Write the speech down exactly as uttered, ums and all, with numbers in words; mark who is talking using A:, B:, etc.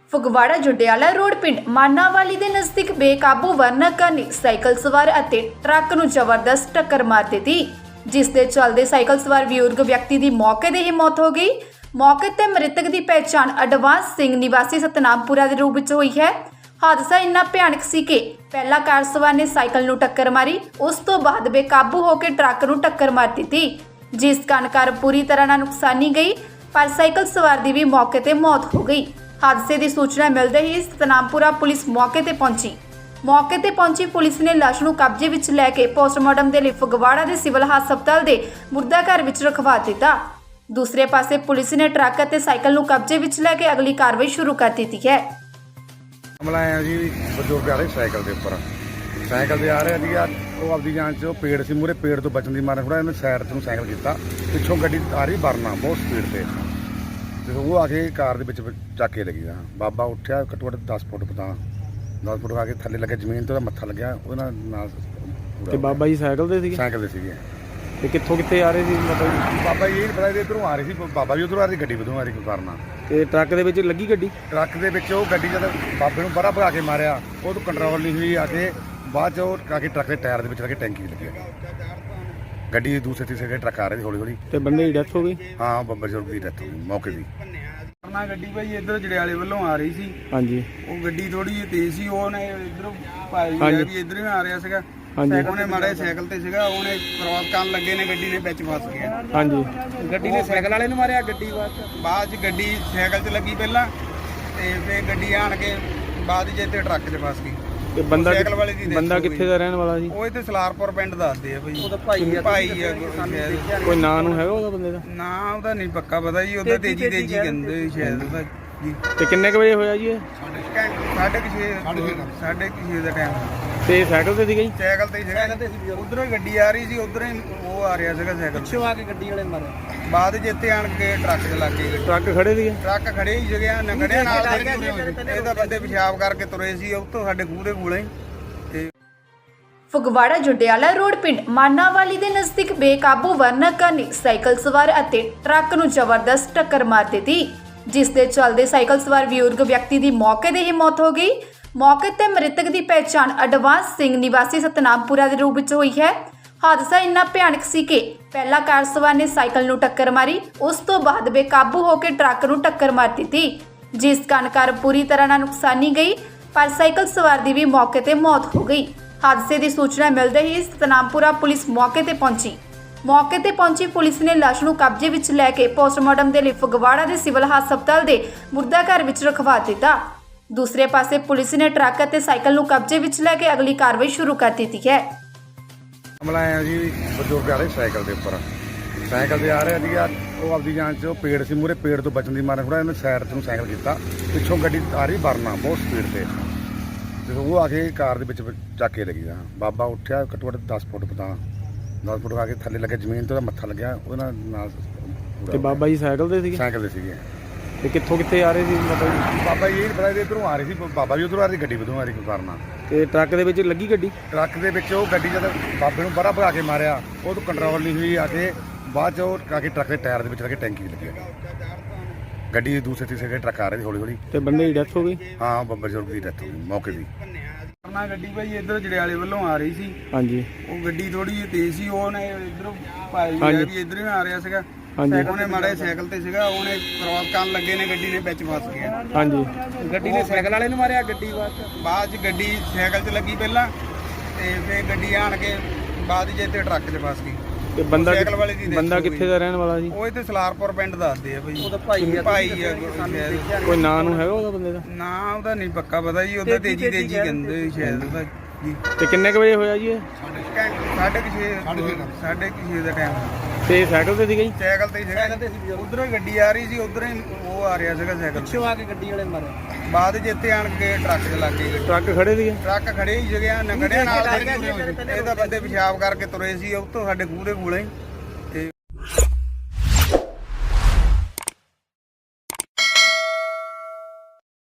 A: Phagwara ਜੁਡਿਆਲਾ road ਪਿੰਡ ਮਾਨਾਵਾਲੀ ਦੇ ਨਜ਼ਦੀਕ ਬੇਕਾਬੂ ਵਰਨਕਾਂ ਨੇ ਸਾਈਕਲ ਸਵਾਰ ਅਤੇ ਟਰੱਕ ਨੂੰ ਜ਼ਬਰਦਸਤ ਟੱਕਰ ਮਾਰ ਦਿੱਤੀ, ਜਿਸ ਦੇ ਚੱਲਦੇ ਸਾਈਕਲ ਸਵਾਰ ਬਜ਼ੁਰਗ ਵਿਅਕਤੀ ਦੀ ਮੌਕੇ 'ਤੇ ਹੀ ਮੌਤ ਹੋ ਗਈ। ਮੌਕੇ 'ਤੇ ਮ੍ਰਿਤਕ ਦੀ ਪਹਿਚਾਣ ਅਡਵਾਂਸ ਸਿੰਘ ਨਿਵਾਸੀ ਸਤਨਾਮਪੁਰਾ ਦੇ ਰੂਪ ਵਿੱਚ ਹੋਈ ਹੈ। ਹਾਦਸਾ ਇੰਨਾ ਭਿਆਨਕ ਸੀ ਕਿ ਪਹਿਲਾ ਕਾਰ ਸਵਾਰ ਨੇ ਸਾਈਕਲ ਨੂੰ ਟੱਕਰ ਮਾਰੀ, ਉਸ ਤੋਂ ਬਾਅਦ ਬੇਕਾਬੂ ਹੋ ਕੇ ਟਰੱਕ ਨੂੰ ਟੱਕਰ ਮਾਰ ਦਿੱਤੀ, ਜਿਸ ਕਾਰਨ ਕਾਰ ਪੂਰੀ ਤਰ੍ਹਾਂ ਨਾਲ ਨੁਕਸਾਨੀ ਗਈ, ਪਰ ਸਾਈਕਲ ਸਵਾਰ ਦੀ ਵੀ ਮੌਕੇ 'ਤੇ ਮੌਤ ਹੋ ਗਈ। ਹਾਦਸੇ ਦੀ ਸੂਚਨਾ ਮਿਲਦੇ ਹੀ ਸਤਨਾਮਪੁਰਾ ਪੁਲਿਸ ਮੌਕੇ ਤੇ ਪਹੁੰਚੀ। ਮੌਕੇ ਤੇ ਪਹੁੰਚੀ ਪੁਲਿਸ ਨੇ ਲਾਸ਼ ਨੂੰ ਕਬਜ਼ੇ ਵਿੱਚ ਲੈ ਕੇ ਪੋਸਟਮਾਰਟਮ ਦੇ ਲਈ ਫਗਵਾੜਾ ਦੇ ਸਿਵਲ ਹਸਪਤਾਲ ਦੇ ਮੁਰਦਾ ਘਰ ਵਿੱਚ ਰਖਵਾ ਦਿੱਤਾ। ਦੂਸਰੇ ਪਾਸੇ ਪੁਲਿਸ ਨੇ ਟਰੱਕ ਅਤੇ ਸਾਈਕਲ ਨੂੰ ਕਬਜ਼ੇ ਵਿੱਚ ਲੈ ਕੇ ਅਗਲੀ ਕਾਰਵਾਈ ਸ਼ੁਰੂ ਕਰ ਦਿੱਤੀ ਹੈ।
B: ਮਾਮਲਾ ਆਇਆ ਜੀ, ਬਜ਼ੁਰਗ ਆ ਰਹੇ ਸਾਈਕਲ ਦੇ ਉੱਪਰ ਸਾਈਕਲ ਤੇ ਆ ਰਿਹਾ ਸੀਗਾ। ਉਹ ਆਪਦੀ ਜਾਨ 'ਚ ਉਹ ਪੇੜ ਸੀ, ਮੂਹਰੇ ਪੇੜ ਤੋਂ ਬਚਣ ਦੀ ਮਾਰੇ ਥੋੜਾ ਇਹਨੇ ਸਾਈਡ ਤੋਂ ਸਾਈਕਲ ਕੀਤਾ, ਪਿੱਛੋਂ ਗੱਡੀ ਆ ਰਹੀ ਵਰਨਾ ਬਹੁਤ ਸਪੀਡ ਤੇ, ਤੇ ਉਹ ਆ ਕੇ ਕਾਰ ਦੇ ਵਿੱਚ ਚੱਕ ਕੇ ਲੱਗੀ। ਬਾਬਾ ਉੱਠਿਆ, ਘੱਟੋ ਘੱਟ ਦਸ ਫੁੱਟ ਪਤਾ ਦਸ ਫੁੱਟ ਆ ਕੇ ਥੱਲੇ ਲੱਗੇ ਜ਼ਮੀਨ ਤੇ, ਉਹਦਾ ਮੱਥਾ ਲੱਗਿਆ ਉਹਦੇ ਨਾਲ ਨਾਲ
C: ਤੇ ਬਾਬਾ ਜੀ ਸਾਈਕਲ ਤੇ ਸੀਗੇ?
B: ਸਾਈਕਲ ਤੇ ਸੀਗੇ।
C: ਤੇ ਕਿੱਥੋਂ ਕਿੱਥੇ ਆ ਰਹੇ ਸੀ ਮਤਲਬ?
B: ਬਾਬਾ ਜੀ ਇਹ ਪਤਾ ਨਹੀਂ ਇੱਧਰੋਂ ਆ ਰਹੀ ਸੀ, ਬਾਬਾ ਵੀ ਉੱਧਰੋਂ ਆ ਰਹੀ, ਗੱਡੀ ਉੱਧਰੋਂ ਆ ਰਹੀ ਕਰਨਾ।
C: ਤੇ ਟਰੱਕ ਦੇ ਵਿੱਚ ਲੱਗੀ ਗੱਡੀ?
B: ਟਰੱਕ ਦੇ ਵਿੱਚ ਉਹ ਗੱਡੀ ਜਦ ਬਾਬੇ ਨੂੰ ਬੜਾ ਭਗਾ ਕੇ ਮਾਰਿਆ, ਉਹ ਤੋਂ ਕੰਟਰੋਲ ਨਹੀਂ ਹੋਈ, ਆ ਕੇ ਬਾਅਦ 'ਚ ਉਹ ਆ ਕੇ ਟਰੱਕ ਦੇ ਟਾਇਰ ਦੇ ਵਿੱਚ ਲੱਗੇ, ਟੈਂਕੀ 'ਚ ਲੱਗਿਆ। ਗੱਡੀ ਦੇ ਦੂਸਰੇ ਤੀਸਰੇ ਟਰੱਕ ਆ ਰਹੇ ਸੀ ਹੌਲੀ ਹੌਲੀ।
C: ਤੇ ਬੰਦੇ ਦੀ ਡੈਥ ਹੋ ਗਈ?
B: ਹਾਂ, ਬੱਬਾ ਬਜ਼ੁਰਗ ਦੀ ਡੈਥ ਹੋ ਗਈ ਮੌਕੇ ਦੀ।
D: ਨਾ ਗੱਡੀ ਭਾਈ ਇੱਧਰ ਜੜਿਆਲੇ ਵੱਲੋਂ ਆ ਰਹੀ ਸੀ।
C: ਹਾਂਜੀ।
D: ਉਹ ਗੱਡੀ ਥੋੜੀ ਜਿਹੀ ਤੇਜ਼ ਸੀ, ਉਹਨੇ ਇੱਧਰੋਂ ਭਾਈ ਆ ਵੀ ਇੱਧਰ ਹੀ ਆ ਰਿਹਾ ਸੀਗਾ। ਉਹਨੇ ਮਾੜੇ ਸਾਈਕਲ ਤੇ ਸੀਗਾ, ਉਹਨੇ ਕ੍ਰੋਸ ਕਰਨ ਲੱਗੇ ਨੇ, ਗੱਡੀ ਨੇ ਵਿੱਚ ਫਸ ਗਿਆ।
C: ਹਾਂਜੀ।
D: ਗੱਡੀ ਨੇ ਸਾਈਕਲ ਵਾਲੇ ਨੂੰ ਮਾਰਿਆ, ਗੱਡੀ ਬਾਅਦ ਬਾਅਦ 'ਚ ਗੱਡੀ ਸਾਈਕਲ 'ਚ ਲੱਗੀ ਪਹਿਲਾਂ, ਤੇ ਫਿਰ ਗੱਡੀ ਆਣ ਕੇ ਬਾਅਦ 'ਚ ਇੱਥੇ ਟਰੱਕ 'ਚ ਫਸ ਗਈ।
C: ਤੇ ਬੰਦਾ
D: ਸਾਈਕਲ ਵਾਲੇ ਦੀ
C: ਬੰਦਾ ਕਿੱਥੇ ਦਾ ਰਹਿਣ ਵਾਲਾ ਸੀ?
D: ਉਹ ਇੱਥੇ ਸਲਾਰਪੁਰ ਪਿੰਡ ਦੱਸਦੇ ਆ ਭਾਈ। ਉਹਦਾ ਭਾਈ ਆ ਭਾਈ ਆ ਸ਼ਾਇਦ।
C: ਕੋਈ ਨਾਂ ਨੂੰ ਹੈਗਾ ਉਹਦਾ ਬੰਦੇ ਦਾ?
D: ਨਾ ਉਹਦਾ ਨਹੀਂ ਪੱਕਾ ਪਤਾ ਜੀ, ਉਹਦਾ ਤੇਜੀ ਤੇਜੀ ਕਹਿੰਦੇ ਸ਼ਾਇਦ ਉਹਦਾ ਜੀ।
C: ਤੇ ਕਿੰਨੇ ਕੁ ਵਜੇ ਹੋਇਆ ਜੀ ਇਹ?
D: ਸਾਢੇ ਕੁ ਛੇ ਸਾਢੇ ਕੁ ਛੇ ਦਾ ਟਾਈਮ।
C: ਤੇ ਸਾਈਕਲ ਤੇ ਸੀਗਾ ਜੀ?
D: ਸਾਈਕਲ ਤੇ ਸੀਗਾ, ਉਧਰੋਂ ਹੀ ਗੱਡੀ ਆ ਰਹੀ ਸੀ, ਉਧਰੋਂ ਹੀ ਉਹ ਆ ਰਿਹਾ ਸੀਗਾ ਸਾਈਕਲ ਪਿੱਛੋਂ ਆ ਕੇ ਗੱਡੀ ਵਾਲੇ ਮਾਰੇ। ਬਾਅਦ ਜਿੱਥੇ ਆਣ ਕੇ ਟਰੱਕ 'ਚ ਲੱਗ ਗਏ।
C: ਟਰੱਕ ਖੜੇ ਸੀਗੇ?
D: ਟਰੱਕ ਖੜੇ ਹੀ ਜਗਿਆ ਨਗੜਿਆ ਨਾਲ ਇਹਦਾ ਬੰਦੇ ਪਿਸ਼ਾਬ ਕਰਕੇ ਤੁਰੇ ਸੀ, ਉੱਥੋਂ ਸਾਡੇ ਖੂਹ ਦੇ ਕੋਲੇ। ਤੇ
A: ਫਗਵਾੜਾ ਜੁਡਿਆਲਾ ਰੋਡ ਪਿੰਡ ਮਾਨਾਵਾਲੀ ਦੇ ਨਜ਼ਦੀਕ ਬੇਕਾਬੂ ਵਰਨਕਾਂ ਨੇ ਸਾਈਕਲ ਸਵਾਰ ਅਤੇ ਟਰੱਕ ਨੂੰ ਜ਼ਬਰਦਸਤ ਟੱਕਰ ਮਾਰ ਦਿੱਤੀ, ਜਿਸ ਦੇ ਚੱਲਦੇ ਸਾਈਕਲ ਸਵਾਰ ਬਜ਼ੁਰਗ ਵਿਅਕਤੀ ਦੀ ਮੌਕੇ 'ਤੇ ਹੀ ਮੌਤ ਹੋ ਗਈ। ਮੌਕੇ 'ਤੇ ਮ੍ਰਿਤਕ ਦੀ ਪਹਿਚਾਣ ਅਡਵਾਂਸ ਸਿੰਘ ਨਿਵਾਸੀ ਸਤਨਾਮਪੁਰਾ ਦੇ ਰੂਪ ਵਿੱਚ ਹੋਈ ਹੈ। ਹਾਦਸਾ ਇੰਨਾ ਭਿਆਨਕ ਸੀ ਕਿ ਪਹਿਲਾ ਕਾਰ ਸਵਾਰ ਨੇ ਸਾਈਕਲ ਨੂੰ ਟੱਕਰ ਮਾਰੀ, ਉਸ ਤੋਂ ਬਾਅਦ ਬੇਕਾਬੂ ਹੋ ਕੇ ਟਰੱਕ ਨੂੰ ਟੱਕਰ ਮਾਰ ਦਿੱਤੀ, ਜਿਸ ਕਾਰਨ ਕਾਰ ਪੂਰੀ ਤਰ੍ਹਾਂ ਨਾਲ ਨੁਕਸਾਨੀ ਗਈ, ਪਰ ਸਾਈਕਲ ਸਵਾਰ ਦੀ ਵੀ ਮੌਕੇ 'ਤੇ ਮੌਤ ਹੋ ਗਈ। ਹਾਦਸੇ ਦੀ ਸੂਚਨਾ ਮਿਲਦੇ ਹੀ ਸਤਨਾਮਪੁਰਾ ਪੁਲਿਸ ਮੌਕੇ ਤੇ ਪਹੁੰਚੀ। ਮੌਕੇ ਤੇ ਪਹੁੰਚੀ ਪੁਲਿਸ ਨੇ ਲਾਸ਼ ਨੂੰ ਕਬਜ਼ੇ ਵਿੱਚ ਲੈ ਕੇ ਪੋਸਟਮਾਰਟਮ ਦੇ ਲਈ ਫਗਵਾੜਾ ਦੇ ਸਿਵਲ ਹਸਪਤਾਲ ਦੇ ਮੁਰਦਾ ਘਰ ਵਿੱਚ ਰਖਵਾ ਦਿੱਤਾ। ਦੂਸਰੇ ਪਾਸੇ ਪੁਲਿਸ ਨੇ ਟਰੱਕ ਅਤੇ ਸਾਈਕਲ ਨੂੰ ਕਬਜ਼ੇ ਵਿੱਚ ਲੈ ਕੇ ਅਗਲੀ ਕਾਰਵਾਈ ਸ਼ੁਰੂ ਕਰ ਦਿੱਤੀ ਹੈ।
B: ਮਾਮਲਾ ਆਇਆ ਜੀ, ਬਜ਼ੁਰਗ ਆ ਰਹੇ ਸਾਈਕਲ ਦੇ ਉੱਪਰ ਸਾਈਕਲ ਤੇ ਆ ਰਿਹਾ ਸੀਗਾ। ਉਹ ਆਪਦੀ ਜਾਨ 'ਚ ਉਹ ਪੇੜ ਸੀ, ਮੂਹਰੇ ਪੇੜ ਤੋਂ ਬਚਣ ਦੀ ਮਾਰੇ ਥੋੜਾ ਇਹਨੇ ਸਾਈਡ ਤੋਂ ਸਾਈਕਲ ਕੀਤਾ, ਪਿੱਛੋਂ ਗੱਡੀ ਆ ਰਹੀ ਵਰਨਾ ਬਹੁਤ ਸਪੀਡ ਤੇ, ਤੇ ਉਹ ਆ ਕੇ ਕਾਰ ਦੇ ਵਿੱਚ ਚੱਕ ਕੇ ਲੱਗੀ। ਬਾਬਾ ਉੱਠਿਆ, ਘੱਟੋ ਘੱਟ ਦਸ ਫੁੱਟ ਪਤਾ ਦਸ ਫੁੱਟ ਆ ਕੇ ਥੱਲੇ ਲੱਗੇ ਜ਼ਮੀਨ ਤੇ, ਉਹਦਾ ਮੱਥਾ ਲੱਗਿਆ ਉਹਦੇ ਨਾਲ ਨਾਲ।
C: ਤੇ ਬਾਬਾ ਜੀ ਸਾਈਕਲ ਤੇ ਸੀਗੇ?
B: ਸਾਈਕਲ ਤੇ ਸੀਗੇ।
C: ਤੇ ਕਿੱਥੋਂ ਕਿੱਥੇ ਆ ਰਹੇ ਸੀ ਮਤਲਬ?
B: ਬਾਬਾ ਜੀ ਇਹ ਪਤਾ ਨਹੀਂ ਇੱਧਰੋਂ ਆ ਰਹੀ ਸੀ, ਬਾਬਾ ਵੀ ਉੱਧਰੋਂ ਆ ਰਹੀ, ਗੱਡੀ ਉੱਧਰੋਂ ਆ ਰਹੀ ਕਰਨਾ।
C: ਤੇ ਟਰੱਕ ਦੇ ਵਿੱਚ ਲੱਗੀ ਗੱਡੀ?
B: ਟਰੱਕ ਦੇ ਵਿੱਚ ਉਹ ਗੱਡੀ ਜਦ ਬਾਬੇ ਨੂੰ ਬੜਾ ਭਗਾ ਕੇ ਮਾਰਿਆ, ਉਹ ਤੋਂ ਕੰਟਰੋਲ ਨਹੀਂ ਹੋਈ, ਆ ਕੇ ਬਾਅਦ 'ਚ ਉਹ ਆ ਕੇ ਟਰੱਕ ਦੇ ਟਾਇਰ ਦੇ ਵਿੱਚ ਲੱਗੇ, ਟੈਂਕੀ 'ਚ ਲੱਗਿਆ। ਗੱਡੀ ਦੇ ਦੂਸਰੇ ਤੀਸਰੇ ਟਰੱਕ ਆ ਰਹੇ ਸੀ ਹੌਲੀ ਹੌਲੀ।
C: ਤੇ ਬੰਦੇ ਦੀ ਡੈਥ ਹੋ ਗਈ?
B: ਹਾਂ, ਬੱਬਾ ਬਜ਼ੁਰਗ ਦੀ ਡੈਥ ਹੋ ਗਈ ਮੌਕੇ ਦੀ।
D: ਨਾ ਗੱਡੀ ਭਾਈ ਇੱਧਰ ਜੜਿਆਲੇ ਵੱਲੋਂ ਆ ਰਹੀ ਸੀ।
C: ਹਾਂਜੀ।
D: ਉਹ ਗੱਡੀ ਥੋੜੀ ਜਿਹੀ ਤੇਜ਼ ਸੀ, ਉਹਨੇ ਇੱਧਰੋਂ ਭਾਈ ਆ ਵੀ ਇੱਧਰ ਹੀ ਆ ਰਿਹਾ ਸੀਗਾ। ਉਹਨੇ ਮਾੜੇ ਸਾਈਕਲ ਤੇ ਸੀਗਾ, ਉਹਨੇ ਕ੍ਰੋਸ ਕਰਨ ਲੱਗੇ ਨੇ, ਗੱਡੀ ਨੇ ਵਿੱਚ ਫਸ ਗਿਆ।
C: ਹਾਂਜੀ।
D: ਗੱਡੀ ਨੇ ਸਾਈਕਲ ਵਾਲੇ ਨੂੰ ਮਾਰਿਆ, ਗੱਡੀ ਬਾਅਦ 'ਚ ਗੱਡੀ ਸਾਈਕਲ 'ਚ ਲੱਗੀ ਪਹਿਲਾਂ, ਤੇ ਫਿਰ ਗੱਡੀ ਆਣ ਕੇ ਬਾਅਦ 'ਚ ਇੱਥੇ ਟਰੱਕ 'ਚ ਫਸ ਗਈ।
C: ਤੇ ਬੰਦਾ
D: ਸਾਈਕਲ ਵਾਲੇ ਦੀ
C: ਬੰਦਾ ਕਿੱਥੇ ਦਾ ਰਹਿਣ ਵਾਲਾ ਸੀ?
D: ਉਹ ਇੱਥੇ ਸਲਾਰਪੁਰ ਪਿੰਡ ਦੱਸਦੇ ਆ ਭਾਈ। ਉਹਦਾ ਭਾਈ ਆ ਭਾਈ ਆ ਸ਼ਾਇਦ।
C: ਕੋਈ ਨਾਂ ਨੂੰ ਹੈਗਾ ਉਹਦਾ ਬੰਦੇ ਦਾ?
D: ਨਾ ਉਹਦਾ ਨਹੀਂ ਪੱਕਾ ਪਤਾ ਜੀ, ਉਹਦਾ ਤੇਜੀ ਤੇਜੀ ਕਹਿੰਦੇ ਸ਼ਾਇਦ ਉਹਦਾ ਜੀ।
C: ਤੇ ਕਿੰਨੇ ਕੁ ਵਜੇ ਹੋਇਆ ਜੀ ਇਹ?
D: ਸਾਢੇ ਕੁ ਛੇ ਸਾਢੇ ਕੁ ਛੇ ਦਾ ਟਾਈਮ।
C: ਤੇ ਸਾਈਕਲ ਤੇ ਸੀਗਾ ਜੀ?
D: ਸਾਈਕਲ ਤੇ ਸੀਗਾ, ਉਧਰੋਂ ਹੀ ਗੱਡੀ ਆ ਰਹੀ ਸੀ, ਉਧਰੋਂ ਹੀ ਉਹ ਆ ਰਿਹਾ ਸੀਗਾ ਸਾਈਕਲ ਪਿੱਛੋਂ ਆ ਕੇ ਗੱਡੀ ਵਾਲੇ ਮਾਰੇ। ਬਾਅਦ ਜਿੱਥੇ ਆਣ ਕੇ ਟਰੱਕ 'ਚ ਲੱਗ ਗਏ।
C: ਟਰੱਕ ਖੜੇ ਸੀਗੇ?
D: ਟਰੱਕ ਖੜੇ ਹੀ ਜਗਿਆ ਨਗੜਿਆ ਨਾਲ ਇਹਦਾ ਬੰਦੇ ਪਿਸ਼ਾਬ ਕਰਕੇ ਤੁਰੇ ਸੀ, ਉੱਥੋਂ ਸਾਡੇ ਖੂਹ ਦੇ ਕੋਲੇ।